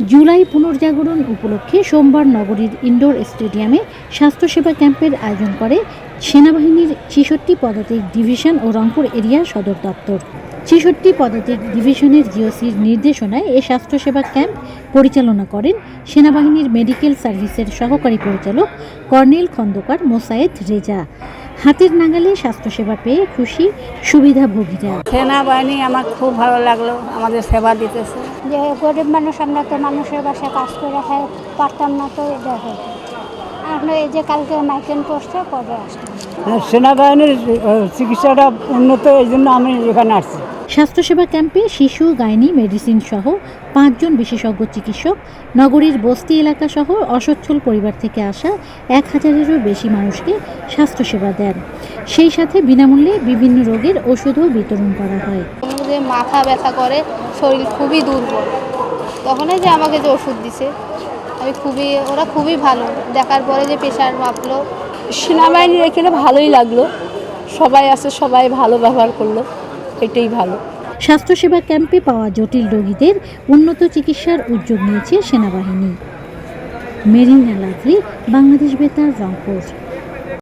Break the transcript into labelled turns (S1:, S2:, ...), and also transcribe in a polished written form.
S1: জুলাই পুনর্জাগরণ উপলক্ষে সোমবার নগরীর ইনডোর স্টেডিয়ামে স্বাস্থ্যসেবা ক্যাম্পের আয়োজন করে সেনাবাহিনীর ৬৬ পদাতিক ডিভিশন ও রংপুর এরিয়া সদর দপ্তর। ৬৬ পদাতিক ডিভিশনের জিওসির নির্দেশনায় এ স্বাস্থ্যসেবা ক্যাম্প পরিচালনা করেন সেনাবাহিনীর মেডিকেল সার্ভিসের সহকারী পরিচালক কর্নেল খন্দকার মোসায়েদ রেজা। হাতের নাগালে স্বাস্থ্যসেবা পেয়ে খুশি সুবিধাভোগীরা।
S2: সেনাবাহিনী আমার খুব ভালো লাগলো, আমাদের সেবা দিতেছে।
S3: যে গরিব মানুষ, আমরা তো মানুষের বাসায় কাজ করে পারতাম না, তো দেখো আমরা এই যে কালকে মাইকেন করছে পরে আসলাম।
S2: সেনাবাহিনীর চিকিৎসাটা উন্নত, এই জন্য আমি এখানে আসছি।
S1: স্বাস্থ্যসেবা ক্যাম্পে শিশু, গাইনি, মেডিসিন সহ ৫ জন বিশেষজ্ঞ চিকিৎসক নগরীর বস্তি এলাকা সহ অসচ্ছল পরিবার থেকে আসা ১,০০০-এরও বেশি মানুষকে স্বাস্থ্যসেবা দেন। সেই সাথে বিনামূল্যে বিভিন্ন রোগের ওষুধও বিতরণ করা হয়।
S4: যে মাথা ব্যথা করে, শরীর খুবই দুর্বল, তখনই যে আমাকে যে ওষুধ দিছে, ওরা খুবই ভালো। দেখার পরে যে প্রেশার মাপলো।
S2: সেনাবাহিনীর এখানে ভালোই লাগলো, সবাই আছে, সবাই ভালো ব্যবহার করলো, এটাই ভালো।
S1: স্বাস্থ্যসেবা ক্যাম্পে পাওয়া জটিল রোগীদের উন্নত চিকিৎসার উদ্যোগ নিয়েছে সেনাবাহিনী। মেরিনা লাভলি, বাংলাদেশ বেতার, রংপুর।